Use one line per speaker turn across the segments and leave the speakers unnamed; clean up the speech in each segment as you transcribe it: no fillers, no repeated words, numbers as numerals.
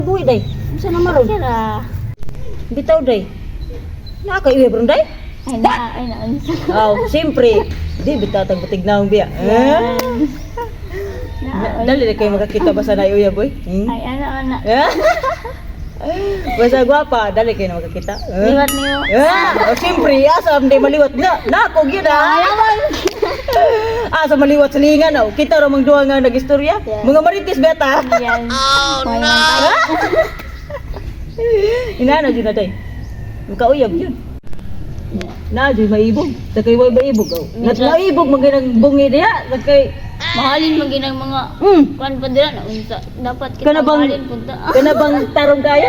Buhi day. Unsa na maron?
Sira.
Bitaw day. Nakaiwi bro day?
Ay na.
Aw, siyempre. Di bitaw tag butignaong biya. Dali na kayo makakita ba sa naiuya boy?
Ay, ana.
Basta gwapa, dali kayo na makakita.
Liwat niyo.
Siyempre, asam di maliwat na. Nakog yun Asa maliwat sa lingan. Kita ramang duha nga nag-istorya.
Yeah.
Mga maritis beta.
Yan.
Inana dyan na day. Makauyab yun. Na dyan maibog. Sakay way maibog. Maibog maginang bungi diya. Sakay.
Mahalin mo ginang mga kuan pa dira na unsa. Dapat kita
Kana bang
mahalin punta.
kana bang tarong kayo?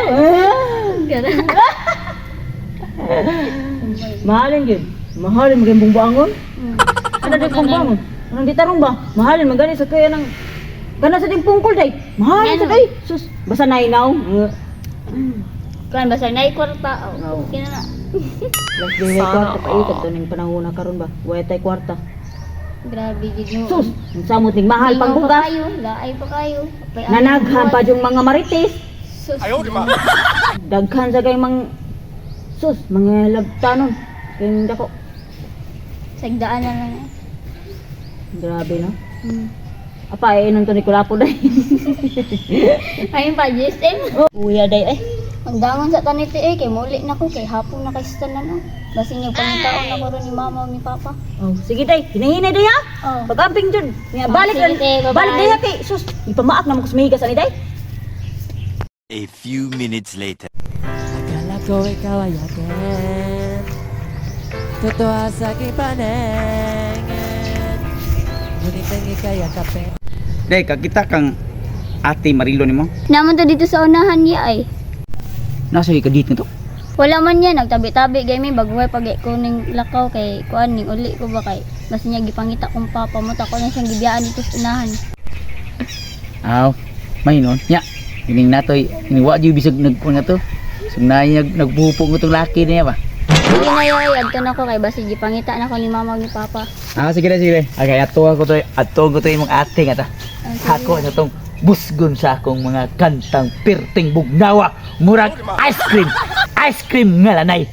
Mahalin yun. Mahalin maging bungbangon. Ano di bungbangon? Anong di tarong ba? Mahalin magani sa kaya ng kana sa ding pungkol day. Mahalin sa day. Sus, basta nainaw.
Kuan basta nay kwarta.
Oo.
Okay na.
Last day way kwarta pa ikat to ning panahon na karon ba. Way tay kwarta.
Grabe gid mo.
Sus, samot ning mahal pang bugas.
Laay pa kayo.
Nanaghan pa yung mga marites.
Sus.
Daghan sa kay mang sus, mga labtanon. Kaya dako.
Sagdaan na lang.
Grabe no. Apa inon to ni Kulapo day.
Ayun pa GSM.
Uya day ay.
Ang dangon sa taniti kay muli na ko kay hapon na kay stanan Basi niya pangitaon na ko ron ni mama o ni papa.
Oh, sige day, hinahinay day ha.
Oh.
Pag-amping jud. Nga balik
sige, tay, bye-bye.
balik day ha kay sus, ipamaak na mo ko sumihigas ani day.
A few minutes later.
Akala ko ikaw ay akin, totoo sa aking paningin, ngunit ang ika'y akapin.
Day, kakita kang ate Marilo ni mo?
Naman to dito sa unahan niya ay.
Nasa ka dito to?
Wala man yan, nagtabi-tabi kay may bagway pag ko ning lakaw kay kuan ning uli ko ba kay mas niya gipangita kong papa mo ta ko na siyang gibiyaan dito sa unahan.
Aw, may nun. Nya, gining natoy, iniwa jud bisag nagkuan nga to. Sugnay nagbuhupong itong laki niya ba?
Hindi na yoy, adto na ko kay basi gipangita na ko ni mama ug ni papa.
Sige na, sige. Okay, ato ko to imong ate nga ta. Ako na tong busgon sa akong mga kantang pirting bugnawa, murag ice cream nga lanay.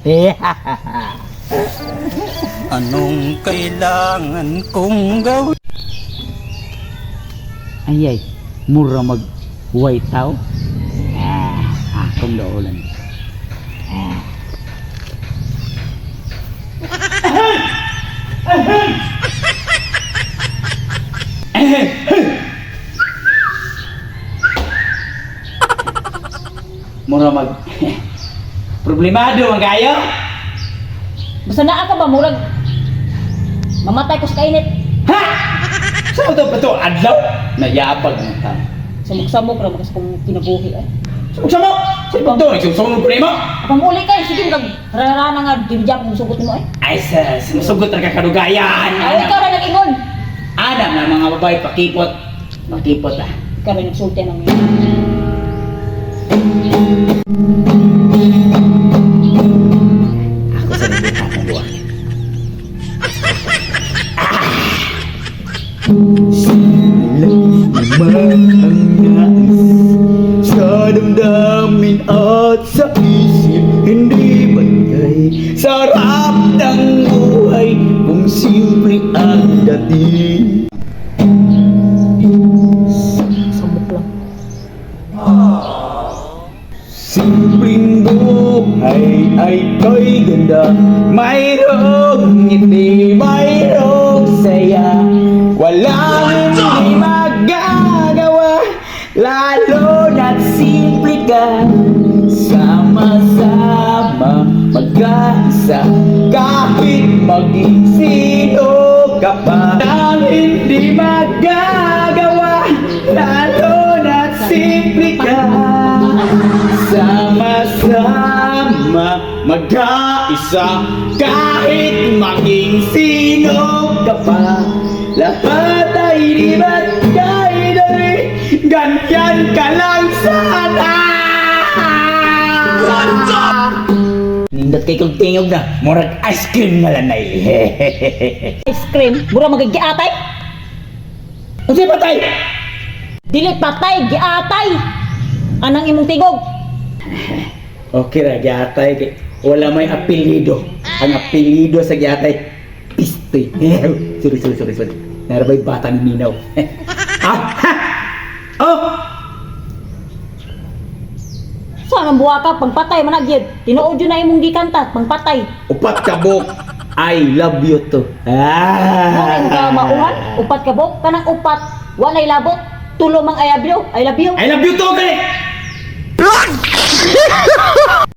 Anong kailangan kong gawin?
Ay, mura mag white tao. Akong daulan. Mura mag problemado man kayo.
Basta naa ka ba murag mamatay ko sa kainit.
Ha? Sa to ba to adlaw? Nayabag ng tao.
Samok-samok ra makas kong kinabuhi ay.
Sumo! Sa ibang to, sumo po mo?
Apang uli kay sige kag rarana nga dibjak mo sugot mo ay.
Ay, sumusugot na kakadugayan.
Ay ikaw ra nag-ingon.
Adam na mga babae, pakipot. Pakipot ah.
Ikaw ra nagsulti nang
Ako sa nandito akong buwan. Ang nais sa damdamin at sa isip, hindi bantay. Sarap ng buhay kung simple ang dating.
samok lang.
Simpleng buhay ay ko'y ganda, mayroong ngiti, mayroong saya. Walang hindi magagawa, lalo na't simple ka. Sama-sama mag-aisa, kahit maging sino ka pa. Walang hindi magagawa, lalo na't simple ka. Sama-sama mag-aisa, kahit maging sino ka pa. Lahat ay di ba't kailan'y ganyan ka lang sana. Nindot kay kong tingog na, murag ice cream nga lanay.
Ice cream, mura magigiatay.
Ano siya patay?
Dili patay, giatay. anang imong tigog.
Okay ra gyatay kay wala may apelyido. Ang apelyido sa gyatay Pistoy. Sorry. Narabay bata ni Minaw. Oh!
Saan ang buwa ka? Pangpatay man nagyod. Tinuod yun na imong gikanta. Pangpatay.
Upat ka bok. I love you to.
Muna ka mauhan. Upat ka bok. Kanang upat. Walay labot. Tulo mang I love you. I love you.
I love you to, kay!